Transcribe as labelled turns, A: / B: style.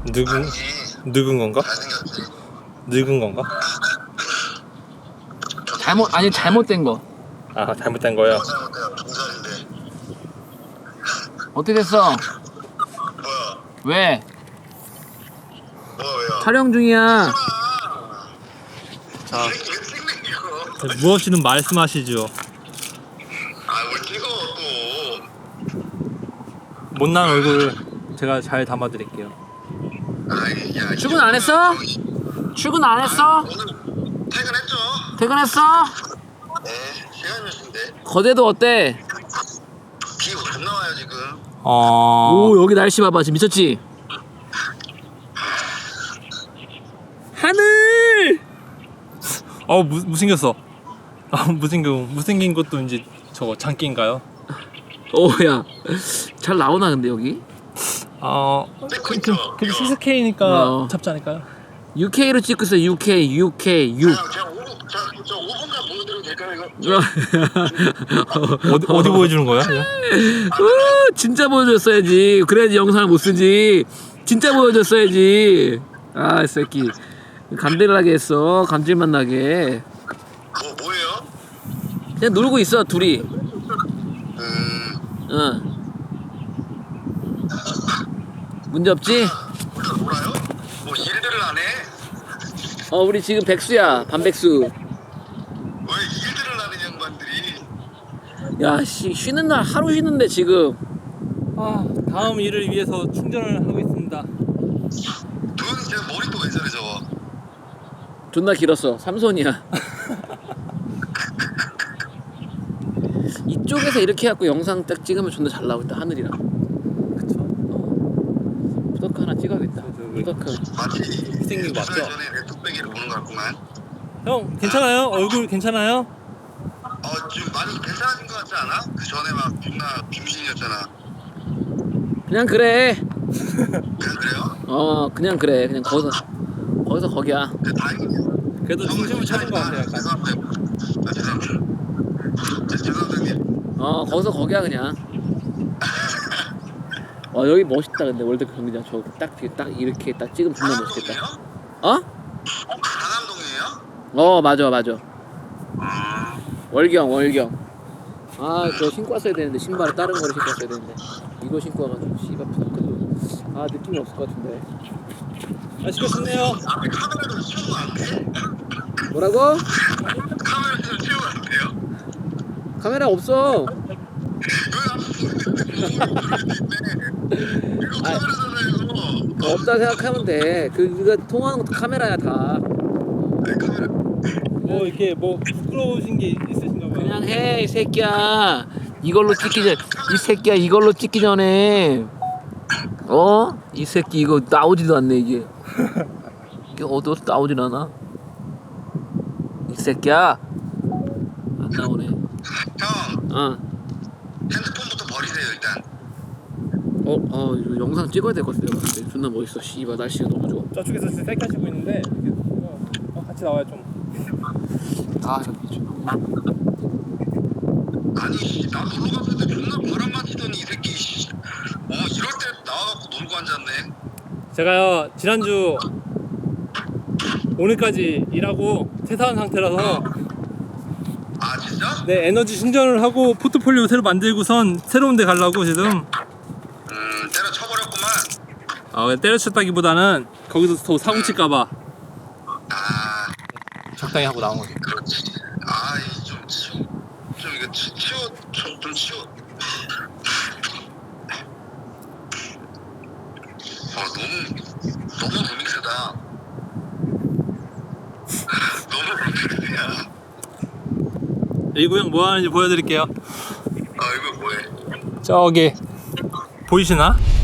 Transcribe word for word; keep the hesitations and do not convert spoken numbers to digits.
A: 늙은 늙은 건가? 늙은 건가?
B: 잘못 아니 잘못된 거.
A: 아 잘못된 거요.
B: 어떻게 됐어? 왜? 촬영 중이야.
A: 자, 무엇이든 말씀하시죠.
C: 아뭘 찍어 또.
A: 못난 얼굴 제가 잘 담아드릴게요.
C: 아이, 야,
B: 출근 안 했어? 출근 안 했어?
C: 오늘 퇴근했죠?
B: 퇴근했어?
C: 네, 시간 몇 시인데?
B: 거제도 어때?
C: 비 존나 와요 지금.
A: 어.
B: 오 여기 날씨 봐봐 지금 미쳤지? 하늘!
A: 어 무, 무생겼어. 아 무생긴 무생긴 것도 이제 저거 장기인가요?
B: 오야 잘 나오나 근데 여기?
A: 어.
C: 찍고 있죠?
A: 근데 시스케이니까
B: 어.
A: 잡지 않을까요?
B: 유케이로 찍고 있어 유케이 유케이 유.
C: 아, 제가 오, 저, 저 오 분간 보여드려도 될까요 이거?
A: 어디 어디 보여주는 거야?
B: 우, 진짜 보여줬어야지. 그래야지 영상을 못 쓰지. 진짜 보여줬어야지. 아, 이 새끼. 감질나게 했어. 감질만 나게.
C: 뭐 뭐예요?
B: 그냥 놀고 있어, 둘이.
C: 음,
B: 응. 문제 없지?
C: 우리가 놀아요? 뭐 일들을 안 해?
B: 어, 우리 지금 백수야. 반백수.
C: 왜 일들을 하는 양반들이?
B: 야, 씨, 쉬는 날 하루 쉬는데 지금.
A: 아 다음 일을 위해서 충전을 하고 있습니다.
C: 돈 제 머리 또 왜 저래 저거?
B: 존나 길었어. 삼손이야. 이쪽에서 이렇게 해갖고 영상 딱 찍으면 존나 잘 나오겠다. 하늘이랑.
A: 그쵸?
B: 어. 부덕 하나 찍어야겠다. 부덕.
C: 마치
A: 생긴 거
C: 두
A: 맞죠?
C: 달 전에 내 뚝배기를 보는 것 같구만.
A: 형 괜찮아요? 얼굴 괜찮아요?
C: 어 지금 많이 괜찮아진 것 같지 않아? 그 전에 막 존나 빙신이었잖아.
B: 그냥 그래.
C: 그냥 그래요?
B: 어, 그냥 그래. 그냥 거기서 거기서 거기야.
C: 그 다행이네요.
A: 그래도 중심을 찾은 것 같아요. 약간.
C: 죄송합니다. 아, 죄송합니다. 제- 죄송합니다 형님.
B: 어, 거기서 거기야 그냥. 와 여기 멋있다 근데 월드컵 경기장 저거 딱, 딱 이렇게 딱 찍으면 존나 멋있겠다.
C: 강남동이에요?
B: 어?
C: 어, 강남동이에요?
B: 어 맞아 맞아.
C: 음,
B: 월경 월경. 아 저 신고 왔어야 되는데 신발을 다른 거를 신고 왔어야 되는데 이거 신고 와가지고 씨발 부탁해도 아 느낌이 없을 것 같은데.
A: 맛있게 좋네요.
C: 앞에 카메라 좀 치우면 안 돼?
B: 뭐라고?
C: 카메라 좀 치우면 안 돼요?
B: 카메라 없어.
C: 여기 앞에 있네. 이거
B: 아.
C: 카메라잖아요 이거.
B: 없다 생각하면 돼. 그 그거 통화하는 것도 카메라야 다.
C: 아니, 카메라.
A: 뭐 이렇게 뭐 부끄러우신 게 있으신가 봐요.
B: 그냥 해 이 새끼야. 이걸로 찍기 전 이 새끼야 이걸로 찍기 전에 어? 이 새끼 이거 나오지도 않네 이게. 이게 어디서 나오질 않아? 이 새끼야 안 나오네.
C: 형
B: 어.
C: 핸드폰부터 버리세요 일단.
B: 어, 어, 이거 영상 찍어야 될 것 같아. 내가 봤을 때. 존나 멋있어. 씨발 날씨가 너무 좋아.
A: 저쪽에서 지금 셀카 찍고 있는데 이렇게, 어, 어, 같이 나와요 좀.
B: 아, 저 미쳐.
C: 아니 씨, 나 놀러 갔을 때 존나 바람 맞히더니 이 새끼 씨. 어 이럴 때 나와갖고 놀고 앉았네.
A: 제가요 지난주 오늘까지 일하고 퇴사한 상태라서
C: 아 진짜?
A: 네 에너지 충전을 하고 포트폴리오 새로 만들고선 새로운 데 가려고 지금.
C: 음 때려쳐버렸구만.
A: 아 때려쳤다기보다는 거기서 더 사고 칠까봐
C: 아
A: 적당히 하고 나온 거죠.
C: 그렇지. 아이좀 치워 좀 이거 치, 치워 좀, 좀 치워. 아 너무 너무 루믹스다. 너무 루믹스야.
A: 이 구형 뭐 하는지 보여드릴게요.
C: 아 이거 뭐해?
A: 저기 보이시나?